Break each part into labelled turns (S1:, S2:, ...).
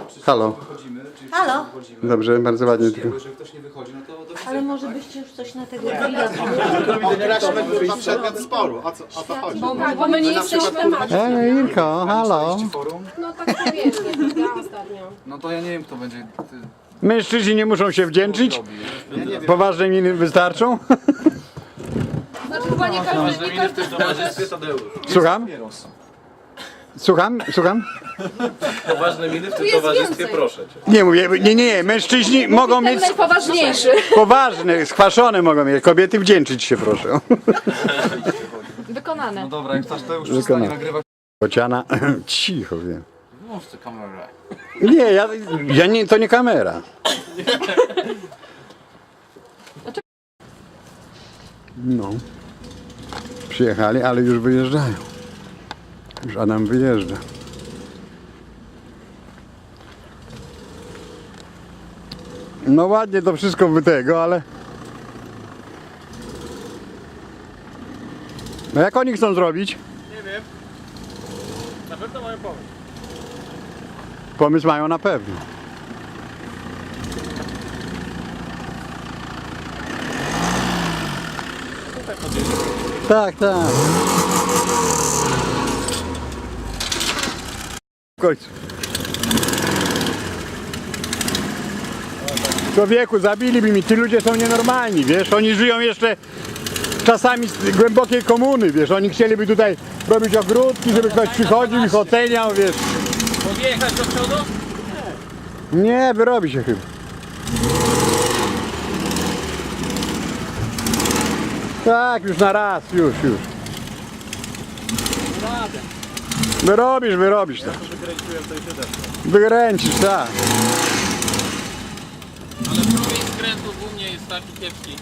S1: Halo.
S2: Wychodzimy, czy
S3: Halo.
S2: wychodzimy.
S1: Dobrze, bardzo ładnie tylko.
S2: Jeżeli ktoś nie wychodzi, no to do widzenia.
S3: Ale może byście już coś na tego
S4: Wyraźmy kurwa przedmiot sporu. O co chodzi?
S5: Bo my nie jesteśmy macie.
S1: Ilko, halo.
S2: Forum?
S5: No tak powiedzmy, ja ostatnio.
S2: No to ja nie wiem, kto będzie...
S1: Mężczyźni nie muszą się wdzięczyć? Poważne miny wystarczą?
S5: Znaczy chyba nie każdy,
S2: w towarzystwie Tadeusz.
S1: Słucham? Słucham?
S6: Poważne miny w tym
S5: jest
S6: towarzystwie,
S5: więcej.
S6: proszę cię.
S1: Nie mówię, nie, mężczyźni mogą mieć
S5: ten najpoważniejszy.
S1: poważne, skwaszone mogą mieć, kobiety wdzięczyć się proszę.
S5: Wykonane.
S2: No dobra, jak Tadeusz przestanie nagrywać...
S1: Bociana, cicho wiem.
S2: Włącz tę kamerę.
S1: Nie, ja nie, to nie kamera. No. Przyjechali, ale już wyjeżdżają. Już Adam wyjeżdża. No ładnie to wszystko by tego, ale... No jak oni chcą zrobić?
S6: Nie wiem. Na pewno mają pomysł.
S1: Pomysł mają na pewno. Tak. W końcu. Człowieku, zabiliby mi, ci ludzie są nienormalni, wiesz, oni żyją jeszcze czasami z głębokiej komuny, wiesz, oni chcieliby tutaj robić ogródki, żeby ktoś przychodził i oceniał, wiesz.
S6: Podjechać do przodu?
S1: Nie, wyrobi się chyba. Tak, już na raz, już. Wyrobisz tak. Wykręcisz, tak.
S6: Ale próg skrętów u mnie jest taki kiepski.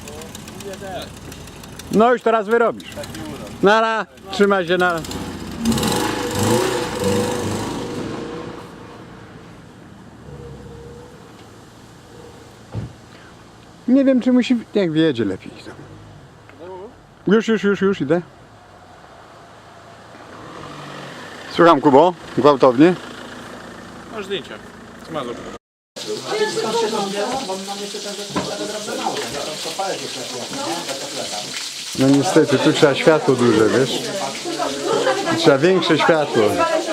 S1: No już teraz wyrobisz. Nara, trzymaj się, nara. Nie wiem, czy musi... Jak wiedzie lepiej. Już idę. Słucham, Kubo, gwałtownie.
S6: Masz zdjęcia. Smazur.
S1: No niestety, tu trzeba światło duże, wiesz? Trzeba większe światło.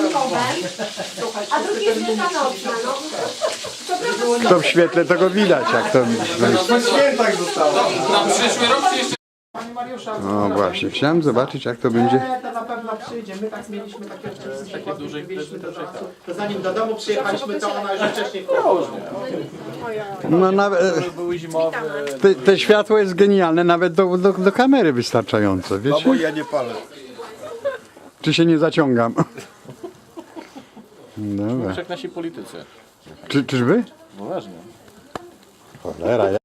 S3: A drugi jest wielkanocna, no.
S1: To w świetle tego widać, jak to...
S4: Na świętach zostało.
S6: Na przyszły rok czy jeszcze?
S4: Pani Mariusza,
S1: No właśnie, chciałem zobaczyć, jak to będzie.
S4: to na pewno przyjdzie. My tak mieliśmy takie to zanim do domu przyjechaliśmy, to ona już wcześniej
S1: No nawet...
S6: Były zimowe.
S1: Te światło jest genialne, nawet do kamery wystarczające, wiecie?
S4: ja nie palę.
S1: Czy się nie zaciągam? Dobra.
S6: Jak nasi politycy.
S1: Czyżby?
S6: Poważnie.
S1: Cholera,